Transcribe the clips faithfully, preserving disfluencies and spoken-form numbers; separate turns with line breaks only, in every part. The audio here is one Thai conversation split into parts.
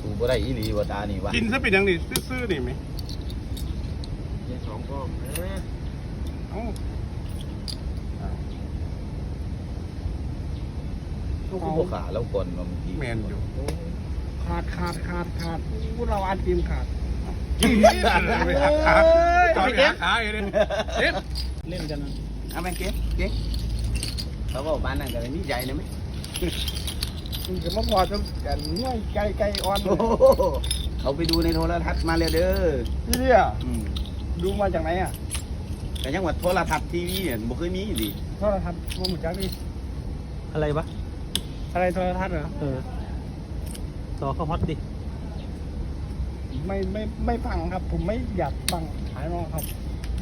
สูบ่ได้อีหลีบ่ตานี่วะ
กินซะเป็นอย่างนี้ซื่อๆนี่ไหม
สองก้อน
เอ้า
ลูกผู้ขาแล้วก่อนบางที
แมนอยู่
ขาดขาดขาดขาดพวกเราอันทีมขาด
กินไปหักขาตอนหักขาอยู่เลยเด็ด
เล่นกันนะ
เอาไปเก็บเก็บเขาบอกบ้านนั่นก็เลยมีใจนะมั้ย
มันจะมาพอจะกันง่ายไกลไกลอ่อน
โอ้โหเขาไปดูในโทรทัศน์มาแล้วเด้อ
ที่เนี่ย
อืม
ดูมาจากไหนอ่ะ
แต่ยังว่าโทรทัศน์ทีวีเนี่ยบ่เคยมีดิ
โทรทัศน์ว่าเหมือนกันดิ
อะไรวะ
อะไรโทรทัศน์เหรอ
เออต่อเข้าฮอตดิ
ไม่ไม่ไม่ฟังครับ ผมไม่อยากฟังขายน้องครับ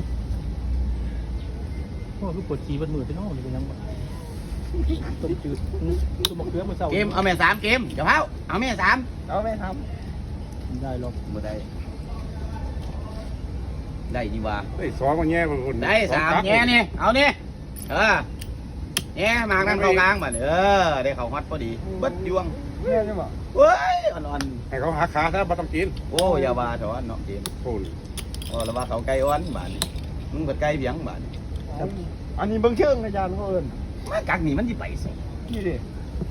โอ้ลูกปวดจีบันมือไปน้องนี่เป็นยังไงต้มจืดต้มมะเขือมาเศร้า
เกมเอาแม่สามเกมเดี๋ยวเผาเอาแม่สาม
เราไม่ท
ได้หรอก
บ่ได้ ได้ดีว่า
เฮ้ยสองมันแย่กว่าคน
ได้สามแง่นี่เอานี่เออแง่มากนั่นเข้ากลางมาเออได้เข้าฮอตพอดีเบิดดวง
ำเนี่ยใช่ปะ
เว้ยอ่อน
ให้เขาหักขาซะบ่ต้องกิน
ๆโอ้อย่าว่าเถอะเนาะเกม
โอ้ย
โอ้แล้วว่าเขาไก่อ่อนบาดนี้มึงเบิดไก่เบียงบาดนี้
อันนี้เบิ้งเชิงอาจารย์เขาเอิญ
มากักนี่มันสิไปสิ
นี่ดิ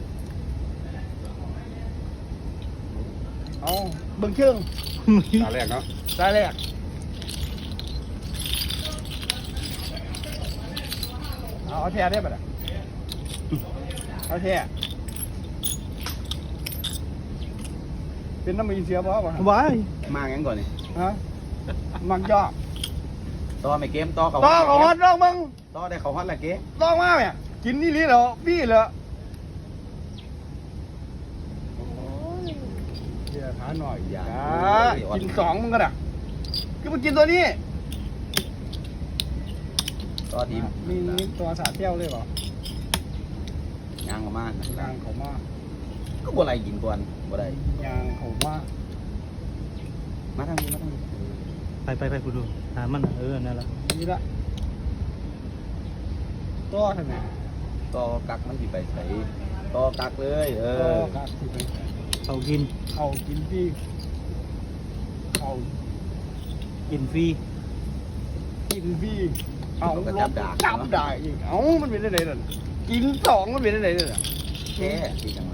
เอาเบิ้งเชิง
ตาแรกเนาะ
รายแรกเอาเอาแท้ได้ปะเนี่ยเอาแท้เป็นน้ำมันเสียบ่ปะ
ว้าย
มางั้นก่อนนี่
ฮะมักย่อ
ต่อไม่เกมต่อเขา
ต่อเขาฮอตน้องมึง
ต่อได้เขาฮอตละเกม
ต้องมาเนี่ยกินนี่ลีเหรอพี่เหรอเดี๋ยวหาหน่อยอย่ากินสองมึงก็ได้คือมึงกินตัวนี้
ต่อทีม
มีตัวสาเที่ยวเลยเปล่าย
างออกมานะ
ยางเขามา
ก็บ่ไรกินก่อนบ่ได้
ยางเขามา
มาทางนี้มาทางนี้
ไปไปไปกูดูหามันเออนั่นแหละ
นี่ละตัวทำไม
ต่อกักมันสิไปใส่ต่อกักเลยเอ
ตัว
อ
กัดสิไป
เขากิน
เขากินพี่เขา
กินฟรี
กินพี่เอา
ก็จับดาก
จับได้อีกเอ้ามันเป็นอะไรนั่นกินสองมันเป็นอะไรนั่น
แค่ที่จังไร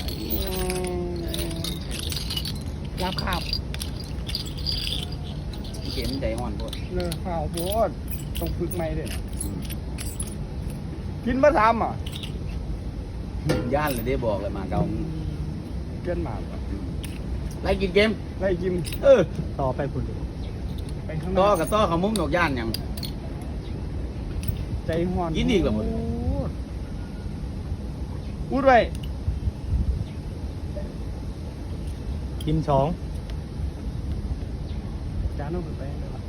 รับขับ
เกมใจอ่อนพวก
เนื้อข้าวโพดต้องฝึกใหม่ด้วยนะกินมาทำอ่ะ
ย่านเลยได้บอกเลยมาเกา
เกินหมากว่ะ
ไล่กินเกม
ไล่กิน
เออ
ต่อไปคุณดู
ไปข้างห
ต่อ
น้า
กับต่อเขามุ้งดอกย่านยัง
ใจห่อน
กินอีกเหรอหมด
พูดไว้
กินสอง
จานต้องไปเลยว่ะ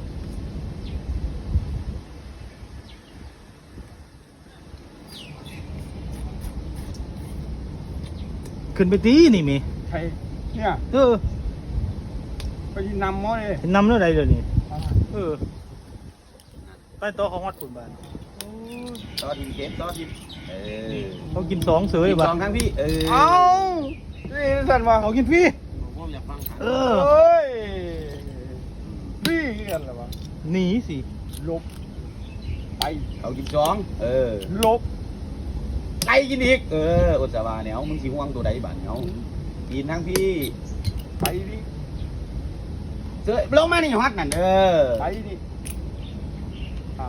ขึ้นไปตีนี่มี
ใครเนี่ย
เออ
ไปนำมอเลย
นำเรื่องใดเดี๋ยวนี้เออไปต่อเขาฮอตคุณบ้าน
ต่อทีมเกมต่อทีมเออ
เขากินสองเสย
ทีม
บ้า
สองครั้งพี่เออ
เอานี่สั่นมา
เขากินฟรี
ผมอยากฟัง
เอ
เอ
อ้
ยพี่กันเหรอวะ
หนีสิ
ลบไป
เขากินสองเออ
ลบ
ไก่กินอีกเอออุตสาห์เนี่ยมึงสิห่วงตัวใดบ้านเขากินทั้งพี่
ไปดิ
เสือลงมานี่ฮอตนั่นเออ
ไปดิอ้าว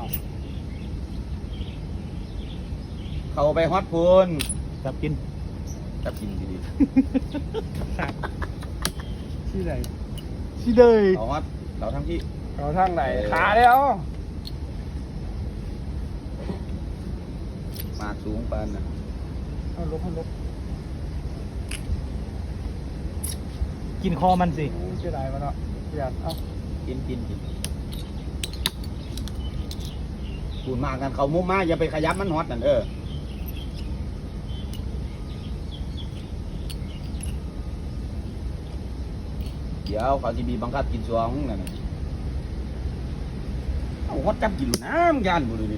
เขาไปฮอตพูน
จับกิน
จับกินดี
ที่ไหน
สิเดย
ๆเขาฮอตเราทั้งพี่
เราทางไหน
เออ
ขาแล้ว
มากสูงปานนะ
เอาลบเอาลบ
กินคอมันสิ
โอ้ยเสียดายมาเนาะอยากเอา
กินกินกินพูดมากกันเขามุมมาอย่าไปขยับมันฮอตนั่นเออเดี๋ยวเขาจะมีบังคับกินสองนั่นน่ะเอาฮอตจับกินน้ำยันบุดูดิ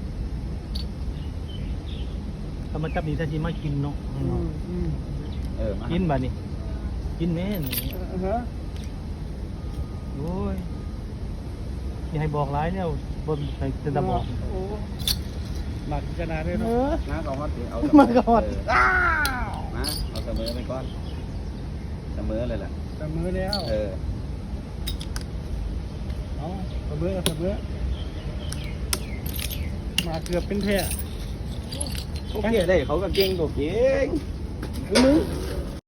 ถ้ามันจับนี่ถ้าชิมากินเนาะ
อืมอืม
เอออมา
กินบ่นี่กินแม่นี่
ฮะ
โอ้ยอย่าให้บอกร้ายเนี่ยบนใส่จะตะบอก
โอ้หมักขนาดนี้
เอ
เนาะ
อ
น้าก็ฮอตดิเอา
มา
มา
ก่อน
อ้าว
มาเอาเสมอไปก่อนเสมอเลยล่ะ
เสมอแล้ว
เออ
เอาเสมอเสมอมาเกือบเป็นแท้
โอเคได้เขาก็เก่งตัวเก่ง
มึง